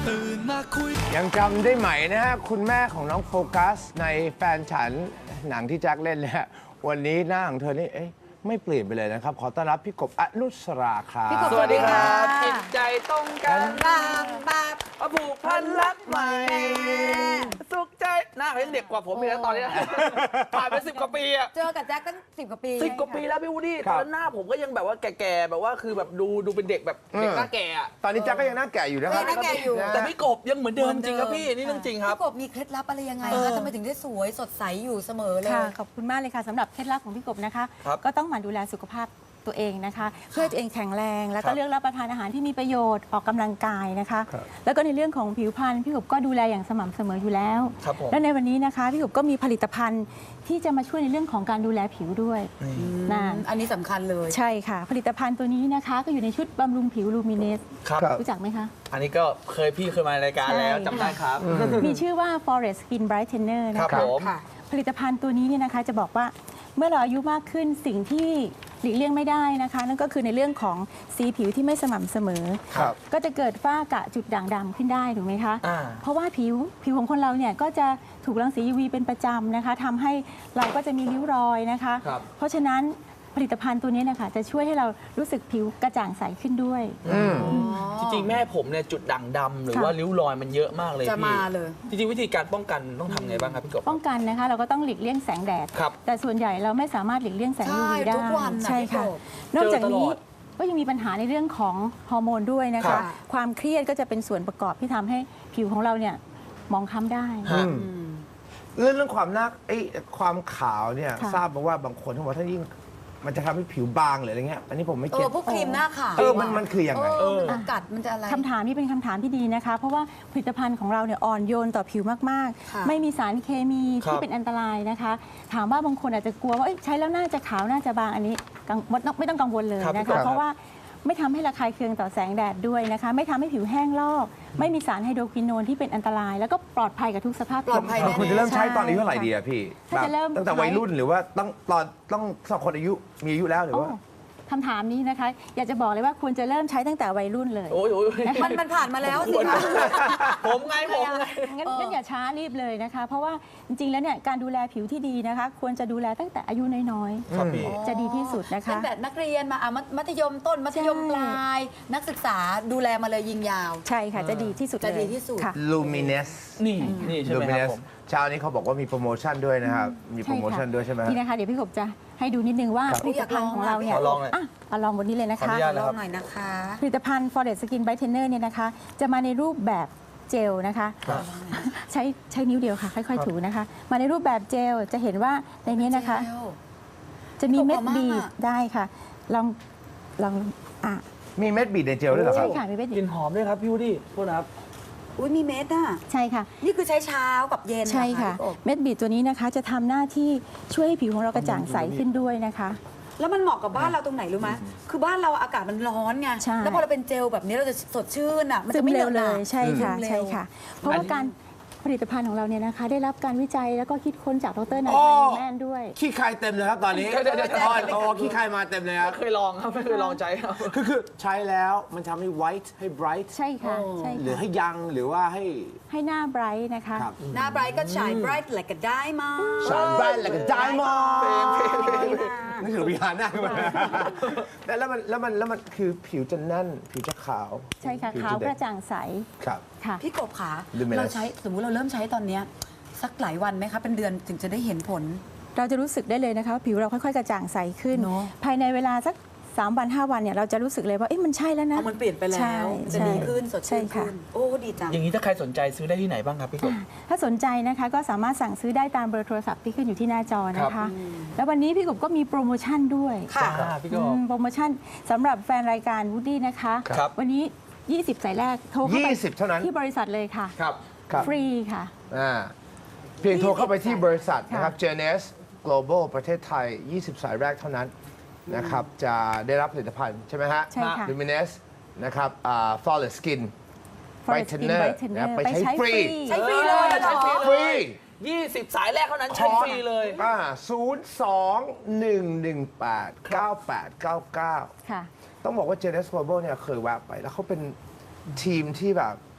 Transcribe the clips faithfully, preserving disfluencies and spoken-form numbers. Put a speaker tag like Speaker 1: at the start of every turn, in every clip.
Speaker 1: ตื่นมาคุย
Speaker 2: ยังจำได้ไหมนะฮะคุณแม่ของน้องโฟกัสในแฟนฉันหนังที่แจ็คเล่นเนี่ยวันนี้หน้าของเธอนี่เอ๊ะไม่เปลี่ยนไปเลยนะครับขอต้อนรับพี่กบอนุสราครับ
Speaker 3: สวัสดีครับจิตใจตรงกัน
Speaker 4: บางบาง
Speaker 3: ผูกพันรักใหม่สุขใจหน้าเขายังเด็กกว่าผมอีกแล้วตอนนี้ผ่านไปสิบกว่าปีอะ
Speaker 4: เจอกับแจ็คตั้งสิบกว่าปี
Speaker 3: สิบกว่าปีแล้วพี่วูดดี้ตอนนั้นหน้าผมก็ยังแบบว่าแก่ๆแบบว่าคือแบบดูดูเป็นเด็กแบบเด็กหน้าแก่อะ
Speaker 2: ตอนนี้แจ็คก็ยังหน้าแก่อยู่นะครับ
Speaker 4: หน้าแก่อยู่
Speaker 3: แต่พี่กบยังเหมือนเดิมจริงครับพี่นี่เรื่องจริงครับ
Speaker 4: พี่กบมีเคล็ดลับอะไรยังไงคะทำไมถึงได้สวยสดใสอยู่เสมอเลย
Speaker 5: ค่ะขอบคุณมากเลยค่ะสำหรับเคล็ดลับของพี่กบนะคะ
Speaker 3: ครับ
Speaker 5: ก็ต้องหมั่นดูแลสุขภาพตัวเองนะคะ เพื่อให้ตัวเองแข็งแรง แล้ว
Speaker 3: ครั
Speaker 5: ก็
Speaker 3: บ
Speaker 5: เลือกรับประทานอาหารที่มีประโยชน์ออกกำลังกายนะคะ
Speaker 2: ครับ
Speaker 5: แล้วก็ในเรื่องของผิวพรรณพี่กบก็ดูแลอย่างสม่ำเสมออยู่แล้ว
Speaker 3: ครับผม
Speaker 5: และในวันนี้นะคะพี่กบก็มีผลิตภัณฑ์ที่จะมาช่วยในเรื่องของการดูแลผิวด้วยนะ
Speaker 4: อันนี้สำคัญเลย
Speaker 5: ใช่ค่ะ ผลิตภัณฑ์ตัวนี้นะคะ ก็อยู่ในชุดบำรุงผิวลูมิเนส
Speaker 3: ครับ
Speaker 5: รู้จักไหมคะ
Speaker 3: อันนี้ก็เคยพี่เคยมารายการแล้ว
Speaker 5: ใช่
Speaker 3: จำได้ครับ
Speaker 5: มีชื่อว่า Forest Skin Brightener นะ
Speaker 3: ครั
Speaker 5: คะ
Speaker 3: บผม
Speaker 4: ค่ะ
Speaker 5: ผลิตภัณฑ์ตัวนี้เนี่ยนะคะจะบอกว่าเมื่อเราอายุมากขึ้นสิ่งที่หลีกเลี่ยงไม่ได้นะคะ นั่นก็คือในเรื่องของสีผิวที่ไม่สม่ำเสมอ
Speaker 2: ครับ
Speaker 5: ก็จะเกิดฝ้ากระจุดด่างดำขึ้นได้ถูกไหมคะ
Speaker 3: อ่า
Speaker 5: เพราะว่าผิวผิวของคนเราเนี่ยก็จะถูกรังสี ยู วี เป็นประจำนะคะทำให้เราก็จะมีริ้วรอยนะคะ
Speaker 3: ครับ
Speaker 5: เพราะฉะนั้นผลิตภัณฑ์ตัวนี้นะคะจะช่วยให้เรารู้สึกผิวกระจ่างใสขึ้นด้วย
Speaker 3: จริงๆแม่ผมเนี่ยจุดด่างดำหรือ
Speaker 5: ค่ะ
Speaker 3: ว่าริ้วรอยมันเยอะมากเลย
Speaker 4: จะ
Speaker 3: พี่
Speaker 4: มาเลย
Speaker 3: จริงๆวิธีการป้องกันต้องทำไงบ้างครับพี่กบ
Speaker 5: ป้องกันนะคะเราก็ต้องหลีกเลี่ยงแสงแดด
Speaker 3: ครับ
Speaker 5: แต่ส่วนใหญ่เราไม่สามารถหลีกเลี่ยงแสง
Speaker 4: ใช่
Speaker 5: ยู วี ได้
Speaker 4: ทุกวันน่ะ
Speaker 5: ใช่ค่ะ
Speaker 4: พี่กบ
Speaker 5: นอกจาก
Speaker 3: เจอตล
Speaker 5: นี้
Speaker 3: อด
Speaker 5: ก็ยังมีปัญหาในเรื่องของฮอร์โมนด้วยนะ
Speaker 3: ครั
Speaker 5: คะ
Speaker 3: บ
Speaker 5: ความเครียดก็จะเป็นส่วนประกอบที่ทำให้ผิวของเราเนี่ยหมองคล้ำได้
Speaker 3: ฮะ
Speaker 2: เรื่องเรื่องความหน้าไอ้ความขาวเนี่ย
Speaker 5: ค่ะ
Speaker 2: ทราบมาว่าบางคนเขาบอกถ้ายิ่งมันจะทำให้ผิวบางหรืออะไรเงี้ยอันนี้ผมไม่
Speaker 4: เอ
Speaker 2: เก็
Speaker 4: อ
Speaker 2: ต
Speaker 4: พวกครีมหน้าขาว
Speaker 2: เออมันมันคือยังไง
Speaker 4: เออมันจะกัดมันจะอะไร
Speaker 5: คำถามนี้เป็นคำถามที่ดีนะคะ เพราะว่าผลิตภัณฑ์ของเราเนี่ยอ่อนโยนต่อผิวมาก
Speaker 4: ค่ะ
Speaker 5: ๆ ไม่มีสารเคมี
Speaker 3: ครับ
Speaker 5: ที่เป็นอันตรายนะคะ ถามว่าบางคนอาจจะกลัวว่าเอ้ยใช้แล้วน่าจะขาวน่าจะบางอันนี้กังไม่ต้องไม่ต้องกังวลเลย
Speaker 3: ครับ
Speaker 5: นะ
Speaker 2: ครั
Speaker 5: คะ
Speaker 2: บ
Speaker 5: เพราะว่าไม่ทำให้ระคายเคืองต่อแสงแดดด้วยนะคะ ไม่ทำให้ผิวแห้งลอก ไม่มีสารไฮโดรควินโนนที่เป็นอันตราย แล้วก็ปลอดภัยกับทุกสภาพ
Speaker 4: ปลอดภัย
Speaker 5: ผิว
Speaker 2: คุณจะเริ่มใช้ตอนอายุเท่าไหร่ดีอะพี่
Speaker 5: ถ้าจะเริ่ม
Speaker 2: ตั้งแต่วัยรุ่นหรือว่าต้องตอนต้องสองคนอายุมีอายุแล้วหรือ
Speaker 5: โอ้
Speaker 2: ว่า
Speaker 5: คำถามนี้นะคะ อยากจะบอกเลยว่าควรจะเริ่มใช้ตั้งแต่วัยรุ่นเลย
Speaker 3: โอ้ยโอ้ยโอ้ย
Speaker 4: มันมันผ่านมาแล้วสิคะ
Speaker 3: ผมไงผมไง
Speaker 5: งั้นงั้นอย่าช้ารีบเลยนะคะ เพราะว่าจริงๆ แล้วเนี่ยการดูแลผิวที่ดีนะคะ ควรจะดูแลตั้งแต่อายุน้อย
Speaker 3: ครับพี่
Speaker 5: ๆ จะดีที่สุดนะคะ
Speaker 4: ตั้งแต่นักเรียนมาอ่ะมัธมัธยมต้นมัธยม
Speaker 5: ใช่
Speaker 4: ปลาย นักศึกษาดูแลมาเลยยิงยาว
Speaker 5: ใช่ค่ะ จะดีที่สุด
Speaker 4: จะ
Speaker 5: เลย
Speaker 4: ดีที่สุด
Speaker 5: ค่ะ
Speaker 2: Luminous
Speaker 3: นี่นี่ใช่ไหมครับ
Speaker 2: Luminous
Speaker 3: ผม
Speaker 2: เช้านี้เขาบอกว่ามีโปรโมชั่นด้วยนะครับ มีโปรโมชั่นด้วยใช่ไหมฮะ
Speaker 5: นี่นะคะ เดี๋ยวพี่กบจะให้ดูนิดนึงว่า
Speaker 2: ครับ
Speaker 5: ผลิตภัณฑ์ของเราเนี่ย
Speaker 3: ขอลองหน่อย
Speaker 5: อ่ะเอาลองบนนี้เลยนะ
Speaker 3: ขออ
Speaker 5: คะ
Speaker 3: นุญาต
Speaker 4: ลองหน่อยนะคะ
Speaker 5: ผลิตภัณฑ์ Forest Skin Brightener เนี่ยนะคะ จะมาในรูปแบบเจลนะคะ
Speaker 3: ครับ
Speaker 5: ใช้ใช้นิ้วเดียวค่ะ ค่อยๆ ถูนะคะ มาในรูปแบบเจล จะเห็นว่าในนี้นะคะ จะมีเม็ด
Speaker 4: ถูกกว่ามาก
Speaker 5: บีบ
Speaker 4: อะ
Speaker 5: ได้ค่ะ ลองลองอ่ะ
Speaker 2: มีเม็ดบีดในเจลด้วยเหรอค
Speaker 5: ใช่
Speaker 2: รับ
Speaker 5: ค่ะมีเม็ด
Speaker 3: ก
Speaker 5: บี
Speaker 3: ลิ่
Speaker 5: บ
Speaker 3: นหอมด้วยครับพี่วูดดี้โทษนะครับ
Speaker 4: อุ้ยมีเม็ดอ่ะ
Speaker 5: ใช่ค่ะ
Speaker 4: นี่คือใช้เช้ากับเย็นเหรอ
Speaker 5: ใช่ค่ะ
Speaker 4: พี่กบ
Speaker 5: เม็ดบีดตัวนี้นะคะ จะทำหน้าที่ช่วยให้ผิวของเรากระจ่างใสขึ้นด้วยนะคะ
Speaker 4: แล้วมันเหมาะกับบ้านเราตรงไหนรู้ไหมคือบ้านเราอากาศมันร้อนไง
Speaker 5: ใช่
Speaker 4: แล้วพอเราเป็นเจลแบบนี้เราจะสดชื่นอ่ะ มัน
Speaker 5: ซึ
Speaker 4: จะ
Speaker 5: ม
Speaker 4: ไม่
Speaker 5: เร็ว
Speaker 4: ห
Speaker 5: เล
Speaker 4: นอะ
Speaker 5: ยใช่ค่ะ
Speaker 4: ซึมเร็ว
Speaker 5: ใช่ค่ะ เพราะ
Speaker 3: อัน
Speaker 5: ว่า
Speaker 3: นี้
Speaker 5: การผลิตภัณฑ์ของเราเนี่ยนะคะ ได้รับการวิจัยแล้วก็คิดค้นจากดรนาย
Speaker 2: โอ้
Speaker 5: พันธ์แมนด้วย
Speaker 2: ขี้ใครเต็มเลยครับตอนนี้
Speaker 3: เดี๋ยวเดี๋ยวเดี๋ยว
Speaker 2: อ๋อโอ้ขี้ใครมาเต็มเลยครับ
Speaker 3: ไม่เคยลองครับไม่เคยลองใจครับ
Speaker 2: คือคือใช้แล้วมันทำให้ white ให้ bright
Speaker 5: ใช่ค่ะใช่
Speaker 2: หรือ
Speaker 5: ค่ะ
Speaker 2: ให้ยังหรือว่าให้
Speaker 5: ให้หน้าไบรท์นะคะ
Speaker 2: ครับ
Speaker 4: หน้าไบรท์ก็ฉายไบรท์แหละก็ได้มา
Speaker 2: สาร bright แล้วก็ diamond นึกถึงวิหารหน้าขึ้นมาแต่แล้วมันแล้วมันแล้วมันคือผิวจะแน่น ผิวจะขาว
Speaker 5: ใช่ค่ะ
Speaker 2: ผิ
Speaker 5: ขาว
Speaker 2: จ
Speaker 5: ก
Speaker 2: เด็
Speaker 5: ระจ่างใส
Speaker 2: ครับ
Speaker 5: ค่ะ
Speaker 4: พี่กบขา
Speaker 2: Luminous
Speaker 4: เราใช้สมมุติเราเริ่มใช้ตอนเนี้ยสักหลายวันไหมคะเป็นเดือนถึงจะได้เห็นผล
Speaker 5: เราจะรู้สึกได้เลยนะคะว่าผิวเราค่อยๆ กระจ่างใสขึ้น
Speaker 4: เนอะ
Speaker 5: ภายในเวลาสักสามวันห้าวันเนี่ยเราจะรู้สึกเลยว่าเอ๊ะมันใช่แล้วนะ
Speaker 4: เอามันเปลี่ยนไปแล้
Speaker 5: ใช่
Speaker 4: วมันจะ
Speaker 5: ใช่
Speaker 4: ดีขึ้นสด
Speaker 5: ใช่
Speaker 4: ชื่น
Speaker 5: ค่ะ
Speaker 4: ขึ้นโอ้ดีจัง
Speaker 3: อย่างนี้ถ้าใครสนใจซื้อได้ที่ไหนบ้างครับพี่กบ
Speaker 5: ถ้าสนใจนะคะก็สามารถสั่งซื้อได้ตามเบอร์โทรศัพท์ที่ขึ้นอยู่ที่หน้าจอนะ
Speaker 3: ครั
Speaker 5: คะ
Speaker 3: บ
Speaker 5: แล้ววันนี้พี่กบก็มีโปรโมชั่นด้วย
Speaker 4: ค่ะ
Speaker 3: อ่าพี่ก
Speaker 5: อื
Speaker 3: บ
Speaker 5: มโปรโมชั่นสำหรับแฟนรายการวูดดี้นะคะ
Speaker 3: ครับ
Speaker 5: วันนี้ ยี่สิบ สายแรกโทรเข้าไป
Speaker 2: ยี่สิบเท่านั้น
Speaker 5: ที่บริษัทเลยค่ะ
Speaker 3: ครับ
Speaker 2: ครับ
Speaker 5: ฟรีค่ะ
Speaker 2: อ่าเพียงโทรเข้าไปที่บริษัทนะครับ
Speaker 5: ค่ะ
Speaker 2: เจ เอ็น เอส Global ประเทศไทย ยี่สิบ สายแรกเท่านั้นนะครับ จะได้รับผลิตภัณฑ์ใช่ไหมฮะ
Speaker 5: ใช่ค่ะ
Speaker 2: Luminous นะครับอ่า Flawless Skin
Speaker 5: Forest Skin
Speaker 2: Brightener
Speaker 5: Brightener
Speaker 2: นะไป
Speaker 5: ไป
Speaker 2: ใช้
Speaker 5: ใช้
Speaker 2: ฟรี
Speaker 5: ฟรี
Speaker 4: ใช้ฟรีเลยเหรอ
Speaker 2: ฟรี
Speaker 3: ยี่สิบ สายแรกเท่านั้นใช้ฟรีเลย
Speaker 2: อ่าศูนย์สองหนึ่งหนึ่งแปดเก้าแปดเก้าเก้า
Speaker 5: ค่ะ
Speaker 2: ต้องบอกว่า เจ เอ็น เอส Global เนี่ยเคยแวะไป แล้วเขาเป็นทีมที่แบบ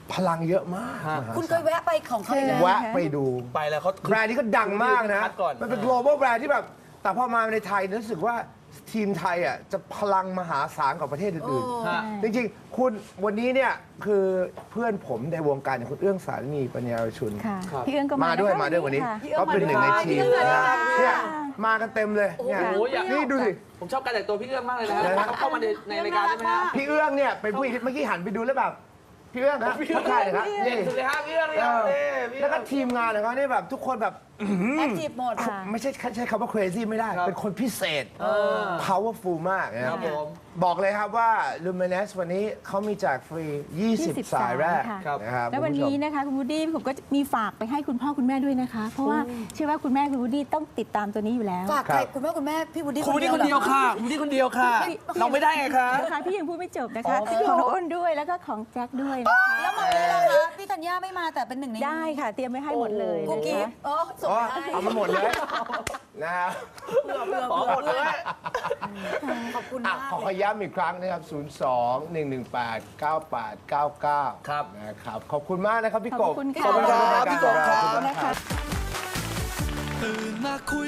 Speaker 2: พลังเยอะมาก
Speaker 3: ฮะ
Speaker 2: มหา
Speaker 4: คุณเค
Speaker 2: ศาย ล
Speaker 4: แวะไปของเขาอีกแล้ว
Speaker 2: แวะไปดู
Speaker 3: ไปแล้วเขา
Speaker 2: แบรนด์นี้ก็ดังมากนะ
Speaker 3: คัดก่อน
Speaker 2: มันเป็น global แบรนด์ที่แบบ แต่พอมาในไทยรู้สึกว่าทีมไทยอ่ะจะพลังมหาศาลกว่าประเทศอื่น
Speaker 3: ฮะ
Speaker 2: ๆ จริงๆ คุณวันนี้เนี่ยคือเพื่อนผมในวงการอย่างคุณเอื้องสารณีปัญญารชุน
Speaker 5: ค่ะ
Speaker 3: ครับ
Speaker 5: พี่เอื้องก็
Speaker 2: มา
Speaker 5: มา
Speaker 2: ด้วย
Speaker 5: นะคะ
Speaker 2: มาด้วยวันนี้
Speaker 5: ค่ะ
Speaker 2: ก็เป็นหนึ่งในทีม
Speaker 3: พี่เอื้อง
Speaker 2: นะ
Speaker 3: สวัสดีครับ
Speaker 2: เนี่ยมากันเต็มเลยเนี่ย
Speaker 3: โอ้โหอยาก
Speaker 2: นี่ดูสิ
Speaker 3: ผมชอบการแต่งตัวพี่เอื้องมากเลยนะฮะ
Speaker 2: นะฮะ
Speaker 3: เขาเข้ามาในในรายการได้ไหมฮะ
Speaker 2: พี่เอื้องเนี่ยเป็นผู้หญิงที่เมื่อกี้หันไปดูแล้วแบบพี่เอื้องนะใช่เลยครับ
Speaker 3: เด็
Speaker 2: นี่
Speaker 3: กสุดเลยฮะพี่เอื้องเนี่ย
Speaker 2: เออ
Speaker 3: นี่พี่
Speaker 2: แล้
Speaker 3: เอื้
Speaker 2: ว
Speaker 3: อง
Speaker 2: ก็ทีมงานของเขาเนี่ยแบบทุกคนแบบ
Speaker 4: แอคทีฟหมด
Speaker 5: ค่ะ
Speaker 2: ไม่ใช่ใช้คำว่า crazy ไม่ได้
Speaker 3: ครับ
Speaker 2: เป็นคนพิเศษ
Speaker 3: เออ
Speaker 2: powerful มากนะค
Speaker 3: ครั
Speaker 2: รั
Speaker 3: บบ ผม
Speaker 2: บอกเลยครับว่า Luminous วันนี้เขามีแจกฟรี ยี่สิบ
Speaker 5: ยี่สิบ
Speaker 2: สายแรก
Speaker 5: สายค่ะ
Speaker 2: นะครับ
Speaker 5: แล้ววัน
Speaker 2: คุณผู้ชม
Speaker 5: นี้นะคะคุณวูดดี้ผมก็มีฝากไปให้คุณพ่อคุณแม่ด้วยนะคะ เพราะว่าเชื่อว่าคุณแม่คุณวูดดี้ต้องติดตามตัวนี้อยู่แล้ว
Speaker 4: ฝากใครคุณแม่คุณแม่พี่วุฒิ
Speaker 3: คุณนี่คนเดียว
Speaker 4: หรอ
Speaker 3: ค่ะคุณนี่คนเดียวค่ะ เราไม่ได้ไงคะ
Speaker 5: นะคะพี่ยังพูดไม่จบนะคะ
Speaker 3: อ๋อ
Speaker 5: ของน้องอ้นด้วยแล้วก็ของแจ็คด้วยนะคะ
Speaker 4: แล้วมาเลยล่ะคะพี่ธัญญาไม่มาแต่เป็นหนึ่งใน
Speaker 5: ได้ค่ะเตรียมไว้ให้หมดเลย
Speaker 4: กุ๊ก
Speaker 5: นะ
Speaker 4: กิ๊
Speaker 5: คะ
Speaker 4: บอ๋อส่ง
Speaker 2: อ๋อ
Speaker 4: ให้
Speaker 2: เอามาหมดเลยนะครับ
Speaker 3: ขอหมดเลย
Speaker 4: ขอบคุณ
Speaker 2: อ่ะ
Speaker 4: มาก
Speaker 2: ขอขอย้ำอีกครั้งนะครับ ศูนย์ สอง หนึ่ง หนึ่ง แปด เก้า แปด เก้า เก้า
Speaker 3: ครับ
Speaker 2: นะครับ ขอบคุณมากนะครับพี่กบ
Speaker 5: ขอบคุณค่ะ
Speaker 3: ขอบคุณครับพี่กบครับ
Speaker 2: ขอบคุณมากครับ
Speaker 1: ตื่นมาคุย